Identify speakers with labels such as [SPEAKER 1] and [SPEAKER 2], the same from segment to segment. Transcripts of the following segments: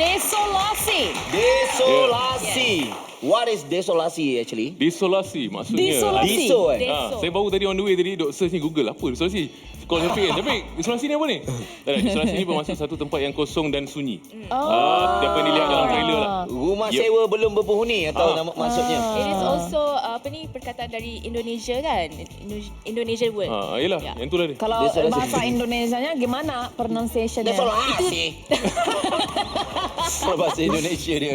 [SPEAKER 1] Desolasi.
[SPEAKER 2] Desolasi. What is desolasi actually?
[SPEAKER 3] Desolasi maksudnya.
[SPEAKER 1] Desolasi.
[SPEAKER 2] Deso
[SPEAKER 3] Saya baru tadi on the way tadi duk search ni Google apa desolasi. Call Syafiq kan. Syafiq, desolasi ni apa ni? Tak ada, desolasi ni bermaksud satu tempat yang kosong dan sunyi. Apa yang dilihat dalam trailer lah.
[SPEAKER 2] Rumah sewa belum berpenghuni atau nama maksudnya?
[SPEAKER 4] It is also perkataan dari Indonesia kan? Indonesian word.
[SPEAKER 3] Yelah,
[SPEAKER 4] Ya.
[SPEAKER 3] yang tu lah dia.
[SPEAKER 1] Kalau
[SPEAKER 2] Desolasi.
[SPEAKER 1] bahasa Indonesianya gimana pronunciation-nya?
[SPEAKER 2] Desolasi. Bahasa Indonesia dia.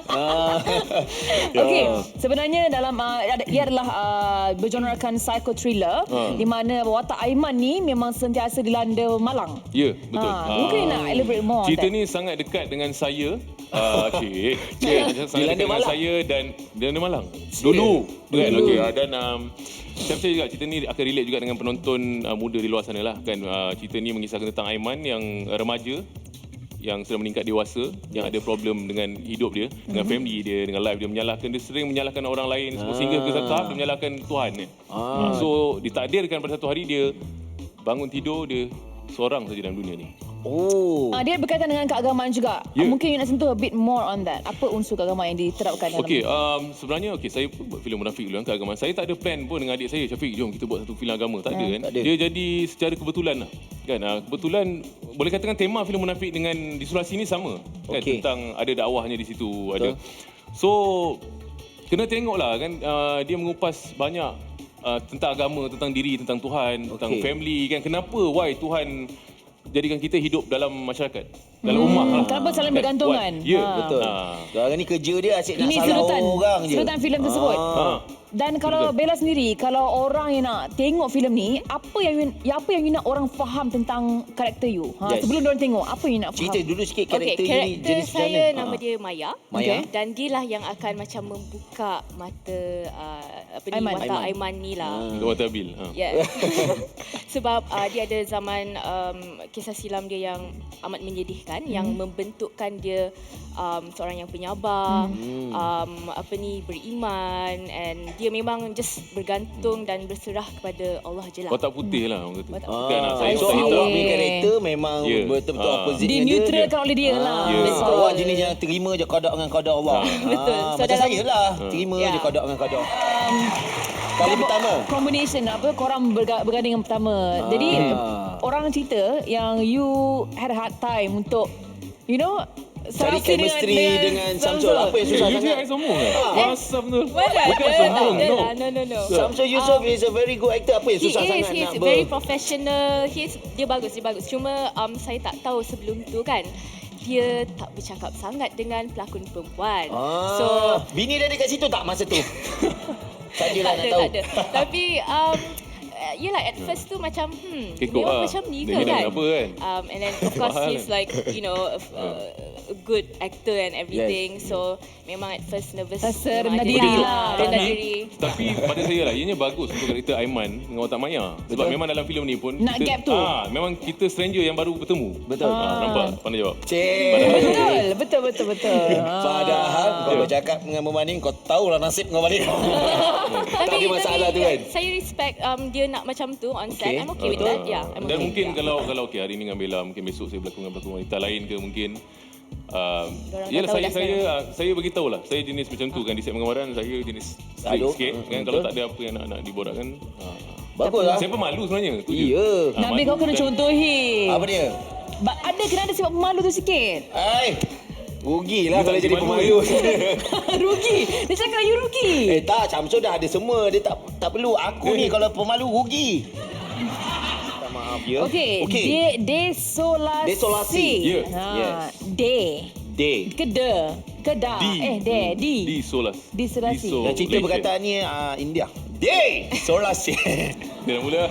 [SPEAKER 1] Okey, sebenarnya dalam dia adalah bergenrekan psycho thriller di mana watak Aiman ni memang sentiasa dilanda malang.
[SPEAKER 3] Ya, betul.
[SPEAKER 1] Mungkin nak elaborate more on
[SPEAKER 3] Cerita
[SPEAKER 1] that.
[SPEAKER 3] ni sangat dekat dengan saya. Sangat
[SPEAKER 2] Dilanda
[SPEAKER 3] dekat dengan
[SPEAKER 2] malang.
[SPEAKER 3] saya dan Dilanda Malang. Dulu. Kan? Okey, dan saya percaya juga cerita ni akan relate juga dengan penonton muda di luar sana lah. Kan? Cerita ni mengisahkan tentang Aiman yang remaja yang sudah meningkat dewasa, yang ada problem dengan hidup dia, dengan family dia, dengan life dia, dia sering menyalahkan orang lain sehingga ke satu tahap dia menyalahkan Tuhan. So ditakdirkan pada satu hari dia bangun tidur, dia seorang saja dalam dunia ni.
[SPEAKER 1] Dia berkaitan dengan keagamaan juga.
[SPEAKER 3] Ya.
[SPEAKER 1] Mungkin you nak sentuh a bit more on that. Apa unsur keagamaan yang diterapkan dalam
[SPEAKER 3] Okey, sebenarnya saya buat filem munafik dulu kan, keagamaan. Saya tak ada plan pun dengan adik saya, Syafiq, jom kita buat satu filem agama. Tak ada kan.
[SPEAKER 2] Tak ada.
[SPEAKER 3] Dia jadi secara kebetulan lah. Kan, kebetulan boleh katakan tema filem munafik dengan Desolasi ni sama. Kan,
[SPEAKER 2] Okey.
[SPEAKER 3] tentang ada dakwahnya di situ, ada. So, kena tengoklah kan, dia mengupas banyak tentang agama, tentang diri, tentang Tuhan, tentang family kan. Kenapa, why Tuhan jadikan kita hidup dalam masyarakat, dalam ummah lah.
[SPEAKER 1] Kenapa saling bergantungan?
[SPEAKER 3] Ya,
[SPEAKER 2] Betul. Sekarang ni kerja dia asyik nak
[SPEAKER 1] Ini
[SPEAKER 2] salah orang je.
[SPEAKER 1] serutan filem tersebut. Dan kalau Bella sendiri, kalau orang yang nak tengok filem ni, apa yang you nak orang faham tentang karakter you?
[SPEAKER 2] Yes.
[SPEAKER 1] Sebelum diorang tengok, apa yang you nak faham?
[SPEAKER 2] Cerita dulu sikit
[SPEAKER 4] Okey,
[SPEAKER 2] karakter ni
[SPEAKER 4] karakter
[SPEAKER 2] jenis macam
[SPEAKER 4] saya
[SPEAKER 2] mana?
[SPEAKER 4] nama dia Maya.
[SPEAKER 2] Maya.
[SPEAKER 4] Dan dia lah yang akan macam membuka mata
[SPEAKER 1] Aiman.
[SPEAKER 4] watak Aiman ni lah.
[SPEAKER 3] Kata Bil.
[SPEAKER 4] Yeah. Sebab dia ada zaman kisah silam dia yang amat menyedihkan yang membentukkan dia seorang yang penyabar, beriman, and dia memang just bergantung dan berserah kepada Allah je lah.
[SPEAKER 3] Watak putih lah orang kata.
[SPEAKER 4] Watak
[SPEAKER 3] Bukan nak saya
[SPEAKER 2] So
[SPEAKER 3] watak hitam.
[SPEAKER 2] awak punya karakter memang betul-betul opposite
[SPEAKER 1] Dia neutral oleh dia lah.
[SPEAKER 2] So awak jenis yang terima je qada dengan qada Allah.
[SPEAKER 4] Betul. So
[SPEAKER 2] Macam
[SPEAKER 4] dalam-
[SPEAKER 2] saya lah, terima je qada dengan qada. Kali pertama.
[SPEAKER 1] Combination korang berganding yang pertama. Jadi orang cerita yang you had a hard time untuk
[SPEAKER 2] Cari
[SPEAKER 1] serasi
[SPEAKER 2] chemistry dengan Samsul. Apa yang susah
[SPEAKER 3] You
[SPEAKER 2] sangat?
[SPEAKER 3] je sombong kan? Asam tu.
[SPEAKER 4] Mana
[SPEAKER 3] Bukan
[SPEAKER 4] ada,
[SPEAKER 3] sombong,
[SPEAKER 4] tak
[SPEAKER 3] no.
[SPEAKER 4] ada lah. No.
[SPEAKER 2] Samsul Yusof is a very good actor. Apa yang
[SPEAKER 4] He
[SPEAKER 2] susah sangat
[SPEAKER 4] is
[SPEAKER 2] nak
[SPEAKER 4] very professional. Dia bagus. Cuma saya tak tahu sebelum tu kan. Dia tak bercakap sangat dengan pelakon perempuan. So
[SPEAKER 2] bini dia dekat situ tak masa tu? Sajalah nak tahu.
[SPEAKER 4] tak ada. Tapi yelah at first tu macam
[SPEAKER 3] Kekok
[SPEAKER 4] memang
[SPEAKER 3] lah.
[SPEAKER 4] macam ni
[SPEAKER 3] Dia
[SPEAKER 4] ke
[SPEAKER 3] ni dah
[SPEAKER 4] kan.
[SPEAKER 3] apa kan?
[SPEAKER 4] And then of course
[SPEAKER 3] Mahal
[SPEAKER 4] he's like a good actor and everything. So memang at first nervous.
[SPEAKER 1] Rasa
[SPEAKER 4] memang
[SPEAKER 1] rendah
[SPEAKER 4] ada
[SPEAKER 1] diri
[SPEAKER 4] lah.
[SPEAKER 1] lah.
[SPEAKER 4] Rendah diri.
[SPEAKER 3] Tapi pada saya lah, ianya bagus untuk karakter Aiman dengan watak Maya. Sebab memang dalam filem ni pun
[SPEAKER 1] Nak gap tu.
[SPEAKER 3] memang kita stranger yang baru bertemu.
[SPEAKER 2] Betul.
[SPEAKER 3] Nampak? Pandai jawab.
[SPEAKER 1] Betul.
[SPEAKER 2] Padahal kau bercakap dengan berbanding, kau tahulah nasib kau balik. Tak ada masalah tu kan?
[SPEAKER 4] Saya respect dia nak macam tu on set.
[SPEAKER 2] Okay.
[SPEAKER 4] I'm okay with that. Yeah, I'm
[SPEAKER 3] Dan
[SPEAKER 4] okay.
[SPEAKER 3] mungkin kalau okay, hari ni dengan Bella, mungkin besok saya berlakon dengan pelakon wanita lain ke mungkin. Yalah
[SPEAKER 4] dah tahu
[SPEAKER 3] saya beritahu lah. Saya jenis macam tu kan, di set penggambaran saya jenis strict
[SPEAKER 2] Aduh.
[SPEAKER 3] sikit kan. Kalau tak ada apa yang nak diborakkan.
[SPEAKER 2] Bagus lah.
[SPEAKER 3] Saya pemalu sebenarnya. Tu je.
[SPEAKER 2] Ya.
[SPEAKER 1] Nabi kau kena contohi.
[SPEAKER 2] Apa dia?
[SPEAKER 1] Kena ada sifat pemalu tu sikit.
[SPEAKER 2] Rugilah
[SPEAKER 3] Dia
[SPEAKER 2] kalau
[SPEAKER 3] tak
[SPEAKER 2] jadi
[SPEAKER 3] pemalu.
[SPEAKER 1] Rugi. Dia cakap you rugi.
[SPEAKER 2] Tak, Syamsul dah ada semua. Dia tak perlu. Aku ni kalau pemalu rugi. Minta maaf ya.
[SPEAKER 1] Okey. Desolasi.
[SPEAKER 2] Desolasi.
[SPEAKER 3] Ya.
[SPEAKER 2] Yes. Day.
[SPEAKER 1] Keda.
[SPEAKER 3] Di Solas.
[SPEAKER 1] Desolasi.
[SPEAKER 3] Di
[SPEAKER 2] Dan cerita
[SPEAKER 3] Malaysia.
[SPEAKER 2] perkataan ni India. Day. Solasi.
[SPEAKER 3] Dia dah mula.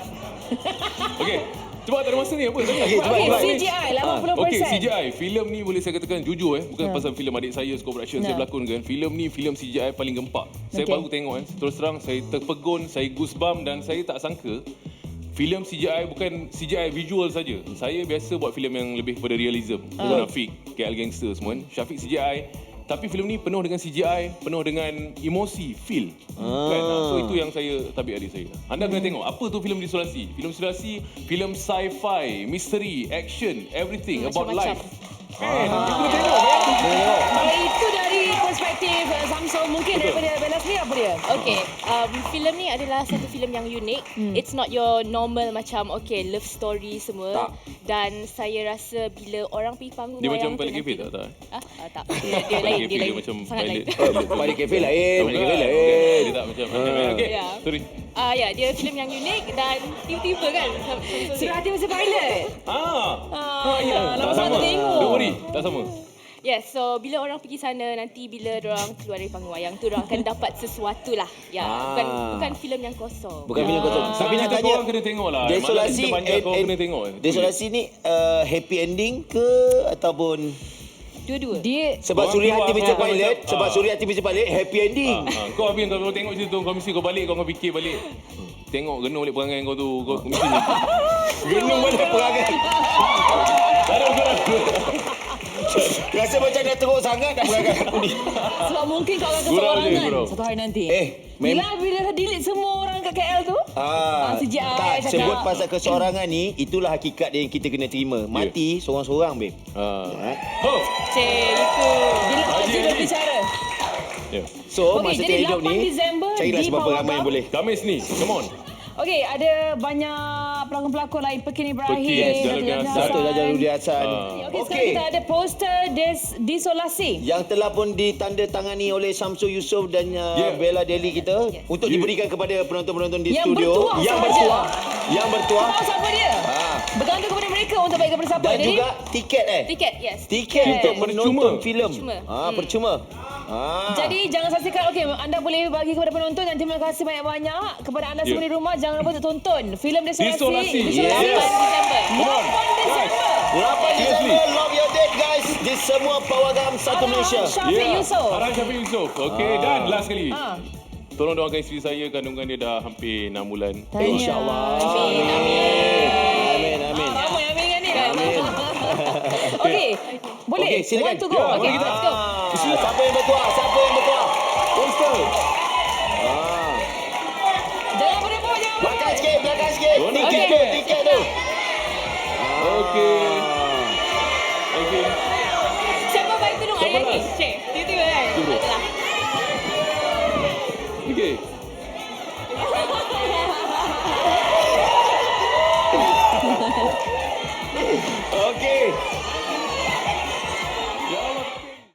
[SPEAKER 3] Okey. Cuba tak ada masa ni apa?
[SPEAKER 1] Okey, CGI 80%.
[SPEAKER 3] Okey, CGI. Filem ni boleh saya katakan jujur bukan pasal filem adik saya Score Production saya berlakon kan. Filem ni filem CGI paling gempak. Saya baru tengok kan. Terus terang saya terpegun, saya goosebump dan saya tak sangka filem CGI bukan CGI visual saja. Saya biasa buat filem yang lebih kepada realism. Munafik, KL Gangster semua kan. Syafiq CGI. Tapi filem ni penuh dengan CGI, penuh dengan emosi, feel. Kan? So itu yang saya tabik adik saya. Anda kena tengok apa tu filem Desolasi. Filem Desolasi, filem sci-fi, misteri, action, everything about
[SPEAKER 4] Macam-macam.
[SPEAKER 3] life. Kan? You kena tengok kan?
[SPEAKER 4] Okay, filem ni adalah satu filem yang unik. It's not your normal macam love story semua.
[SPEAKER 2] Tak.
[SPEAKER 4] Dan saya rasa bila orang pergi panggung
[SPEAKER 3] Dia
[SPEAKER 4] wayang
[SPEAKER 3] macam Balik Cafe tak?
[SPEAKER 4] tak. Dia lain, dia lain.
[SPEAKER 3] Macam
[SPEAKER 4] Sangat lain.
[SPEAKER 2] Balik kafe lain, balik kafe lain.
[SPEAKER 3] Dia tak macam okay.
[SPEAKER 4] Ya.
[SPEAKER 3] Sorry.
[SPEAKER 4] Ya, dia filem yang unik dan tiba-tiba kan.
[SPEAKER 1] Surah hati masa pilot. Ya, lama
[SPEAKER 3] Tak
[SPEAKER 1] sangat
[SPEAKER 3] sama.
[SPEAKER 1] tak tengok.
[SPEAKER 3] Don't worry, tak sama.
[SPEAKER 4] Yes, so bila orang pergi sana, nanti bila orang keluar dari panggung wayang tu, orang akan dapat sesuatu lah. Ya, bukan filem yang kosong.
[SPEAKER 2] Bukan filem kosong. Tapi nak
[SPEAKER 3] Kita
[SPEAKER 2] tanya,
[SPEAKER 3] korang kena tengok lah.
[SPEAKER 2] Desolasi
[SPEAKER 3] Malam kita panjang, korang kena tengok.
[SPEAKER 2] Desolasi ni happy ending ke ataupun
[SPEAKER 4] Dua-dua.
[SPEAKER 1] Dia
[SPEAKER 2] sebab
[SPEAKER 3] Korang
[SPEAKER 2] Suriati
[SPEAKER 3] keluar,
[SPEAKER 2] Mr.
[SPEAKER 3] korang
[SPEAKER 2] Pilot,
[SPEAKER 3] macam,
[SPEAKER 2] sebab Suriati Mr. Pilot happy ending.
[SPEAKER 3] Kau habis kalau tengok cerita tu, kau mesti kau balik, kau fikir balik. Tengok genuh balik perangai kau tu. Kau mesti
[SPEAKER 2] Genuh balik perangai.
[SPEAKER 3] tak ada ukuran.
[SPEAKER 2] Rasa macam dah teruk sangat dah perangai aku ni.
[SPEAKER 1] sebab mungkin kau akan
[SPEAKER 3] Gurau je,
[SPEAKER 1] keseorangan
[SPEAKER 3] gurau.
[SPEAKER 1] satu hari nanti.
[SPEAKER 2] Mem-
[SPEAKER 1] Bila dah delete semua orang kat KL tu. CGI
[SPEAKER 2] tak,
[SPEAKER 1] cakap.
[SPEAKER 2] sebut pasal keseorangan ni, itulah hakikat yang kita kena terima. Mati seorang-seorang, babe.
[SPEAKER 3] Oh.
[SPEAKER 4] Cik, itu.
[SPEAKER 1] Bila
[SPEAKER 3] Haji,
[SPEAKER 1] Haji dah
[SPEAKER 3] Haji.
[SPEAKER 1] bicara.
[SPEAKER 3] Ya.
[SPEAKER 2] So,
[SPEAKER 1] Okey,
[SPEAKER 2] masa
[SPEAKER 1] jadi
[SPEAKER 2] kita hidup
[SPEAKER 1] 8
[SPEAKER 2] ni,
[SPEAKER 1] Disember
[SPEAKER 2] carilah
[SPEAKER 1] di
[SPEAKER 2] sebab
[SPEAKER 1] Pawagam.
[SPEAKER 2] ramai yang boleh.
[SPEAKER 3] Khamis ni, come on.
[SPEAKER 1] Okey, ada banyak pelakon-pelakon lain. Pekin Ibrahim,
[SPEAKER 3] Pekin, Jalal
[SPEAKER 1] Datuk
[SPEAKER 3] Hasan.
[SPEAKER 2] Satu Raja Rudi Hassan.
[SPEAKER 1] Okey, sekarang kita ada poster Desolasi.
[SPEAKER 2] Yang telah pun ditandatangani oleh Samsul Yusof dan Bella Deli kita untuk diberikan kepada penonton-penonton di
[SPEAKER 1] Yang
[SPEAKER 2] studio.
[SPEAKER 1] bertuah
[SPEAKER 2] Yang
[SPEAKER 1] sahaja.
[SPEAKER 2] bertuah. Yang bertuah.
[SPEAKER 1] Tahu siapa dia? Bergantung kepada mereka untuk baik kepada siapa.
[SPEAKER 2] Dan
[SPEAKER 1] Jadi,
[SPEAKER 2] juga tiket
[SPEAKER 4] Tiket, yes.
[SPEAKER 2] Tiket untuk menonton
[SPEAKER 3] Percuma.
[SPEAKER 2] filem.
[SPEAKER 4] Percuma.
[SPEAKER 2] Percuma.
[SPEAKER 1] jadi jangan saksikan. Okey, anda boleh bagi kepada penonton dan terima kasih banyak-banyak kepada anda semua di rumah. Jangan lupa untuk tonton filem Desolasi.
[SPEAKER 3] Desolasi.
[SPEAKER 2] Yes.
[SPEAKER 4] 8 Disember.
[SPEAKER 2] 8 Disember, lock your date guys. Di semua Pawagam satu Malaysia.
[SPEAKER 1] Syafiq Yusof.
[SPEAKER 3] Arang Syafiq Yusof. Okey, dan last sekali.
[SPEAKER 1] Ah.
[SPEAKER 3] Tolong doakan isteri saya, kandungan dia dah hampir 6 bulan.
[SPEAKER 1] Tanya.
[SPEAKER 2] InsyaAllah.
[SPEAKER 1] Amin.
[SPEAKER 2] Amin. Amin.
[SPEAKER 1] Ramai amin kan ni kan?
[SPEAKER 2] Amin.
[SPEAKER 1] Okey, boleh?
[SPEAKER 2] Okey, silakan.
[SPEAKER 1] Want to go?
[SPEAKER 3] Ya,
[SPEAKER 1] Okey,
[SPEAKER 3] boleh kita.
[SPEAKER 1] let's go.
[SPEAKER 2] Siapa yang bertuah? Siapa yang bertuah? Poster.
[SPEAKER 1] Jangan berebut, jangan berebut.
[SPEAKER 2] Belakang sikit, belakang sikit.
[SPEAKER 3] Okey.
[SPEAKER 2] Tiket tu, tiket tu.
[SPEAKER 3] Okey. Okey.
[SPEAKER 4] Siapa baik tudung
[SPEAKER 3] Siapa
[SPEAKER 4] ayah ni?
[SPEAKER 3] last?
[SPEAKER 4] Cik, tiba-tiba kan?
[SPEAKER 3] Tiba.
[SPEAKER 4] Adalah.
[SPEAKER 3] Okey.